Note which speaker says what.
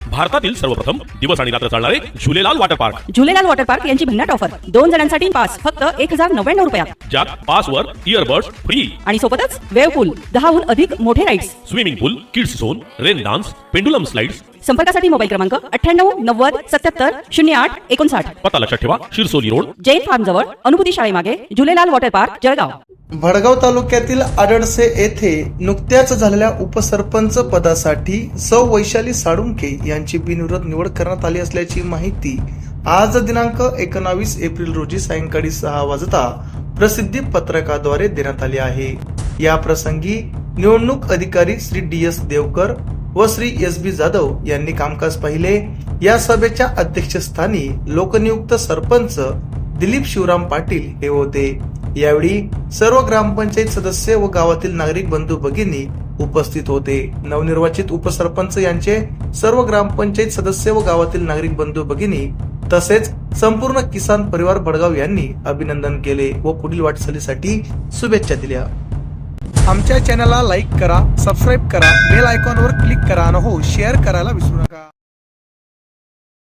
Speaker 1: भारतातील सर्वप्रथम दिवस आणि रात्र चालणारे Jhulelal water park.
Speaker 2: Jhulelal water park यांची भन्नाट ऑफर 2 जणांसाठी पास फक्त 1099 रुपयात,
Speaker 1: ज्यात पासवर इयरबड्स फ्री
Speaker 2: आणि सोबतच वेव पूल, 10हून अधिक मोठे rides,
Speaker 1: swimming pool, kids zone, rain dance, pendulum slides.
Speaker 2: संपर्कासाठी मोबाईल क्रमांक 98 90 77 08 59।
Speaker 1: पत्ता लक्षात ठेवा, शिरसोली रोड,
Speaker 2: जैन फार्म जवळ, अनुभूती शाळेमागे, झुलेलाल वॉटर पार्क, जळगाव।
Speaker 3: भडगाव तालुक्यातील आडळसे येथे नुकत्याच झालेल्या उपसरपंच पदासाठी सौ वैशाली साळुंखे यांची बिनविरोध निवड करण्यात आली असल्याची माहिती आज दिनांक 19 एप्रिल रोजी सायंकाळी 6 वाजता प्रसिद्धी पत्रकाद्वारे देण्यात आली आहे। या प्रसंगी निवडणूक अधिकारी श्री DS देवकर व श्री SB जाधव यांनी कामकाज पाहिले। या सभेच्या अध्यक्षस्थानी लोकनियुक्त सरपंच दिलीप शिवराम पाटील हे होते। यावेळी सर्व ग्रामपंचायत सदस्य व गावातील नागरिक बंधू भगिनी उपस्थित होते। नवनिर्वाचित उपसरपंच यांचे सर्व ग्रामपंचायत सदस्य व गावातील नागरिक बंधू भगिनी तसेच संपूर्ण किसान परिवार भडगाव यांनी अभिनंदन केले व पुढील वाटचालीसाठी शुभेच्छा दिल्या।
Speaker 4: आमच्या चॅनलला लाईक करा, सबस्क्राईब करा, बेल आयकॉनवर क्लिक करा आणि हो शेअर करायला विसरू नका।